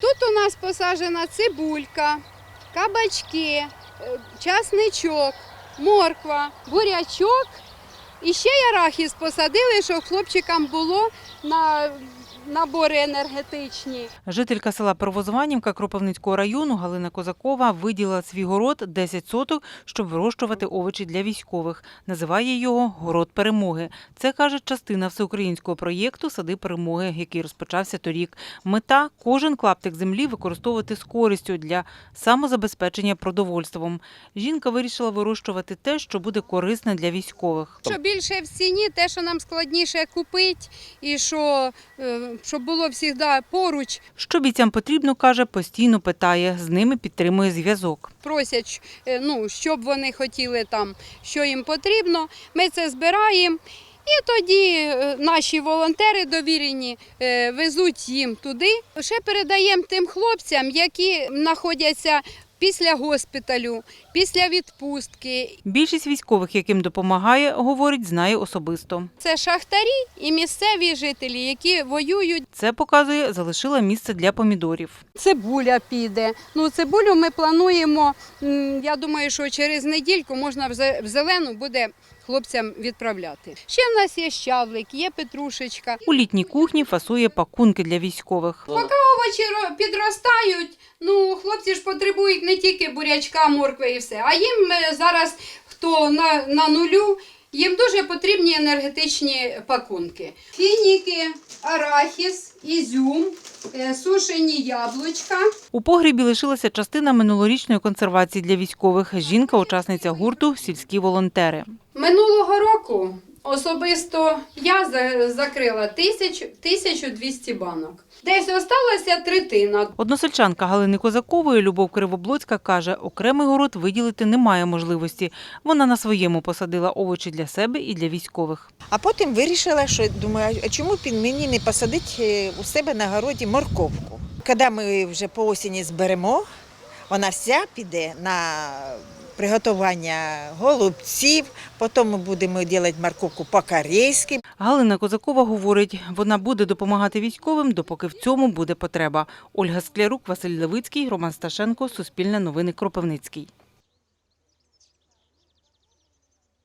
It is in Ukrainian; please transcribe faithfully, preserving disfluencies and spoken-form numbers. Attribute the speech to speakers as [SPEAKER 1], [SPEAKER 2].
[SPEAKER 1] Тут у нас посаджена цибулька, кабачки, часничок, морква, бурячок. І ще й арахіс посадили, щоб хлопчикам було на набори енергетичні.
[SPEAKER 2] Жителька села Первозванівка Кропивницького району Галина Козакова виділила свій город десять соток, щоб вирощувати овочі для військових. Називає його «Город перемоги». Це, каже, частина всеукраїнського проєкту «Сади перемоги», який розпочався торік. Мета – кожен клаптик землі використовувати з користю для самозабезпечення продовольством. Жінка вирішила вирощувати те, що буде корисне для військових.
[SPEAKER 1] Що більше в ціні, те, що нам складніше купити, і що, щоб було завжди поруч.
[SPEAKER 2] Що бійцям потрібно, каже, постійно питає, з ними підтримує зв'язок.
[SPEAKER 1] Просять, ну, щоб вони хотіли там, що їм потрібно, ми це збираємо. І тоді наші волонтери довірені везуть їм туди. Ще передаємо тим хлопцям, які знаходяться після госпіталю, після відпустки.
[SPEAKER 2] Більшість військових, яким допомагає, говорить, знає особисто.
[SPEAKER 1] Це шахтарі і місцеві жителі, які воюють.
[SPEAKER 2] Це, показує, залишила місце для помідорів.
[SPEAKER 1] Цибуля піде. Ну, цибулю ми плануємо, я думаю, що через недільку можна в зелену буде хлопцям відправляти. Ще в нас є щавлик, є петрушечка.
[SPEAKER 2] У літній кухні фасує пакунки для військових.
[SPEAKER 1] Поки овочі підростають, ну, хлопці ж потребують не тільки бурячка, моркви і все, а їм зараз, хто на, на нулю, їм дуже потрібні енергетичні пакунки. Фініки, арахіс, ізюм, сушені яблучка.
[SPEAKER 2] У погрібі лишилася частина минулорічної консервації для військових. Жінка – учасниця гурту «Сільські волонтери».
[SPEAKER 1] Минулого року особисто я закрила тисячу двісті банок. Десь залишилася третина.
[SPEAKER 2] Односельчанка Галини Козакової Любов Кривоблоцька каже, окремий город виділити немає можливості. Вона на своєму посадила овочі для себе і для військових.
[SPEAKER 3] А потім вирішила, що думаю, а чому б мені не посадити у себе на городі морковку. Коли ми вже по осені зберемо, вона вся піде на приготування голубців, потім ми будемо робити морковку по-корейськи.
[SPEAKER 2] Галина Козакова говорить, вона буде допомагати військовим, допоки в цьому буде потреба. Ольга Склярук, Василь Левицький, Роман Сташенко, Суспільне новини, Кропивницький.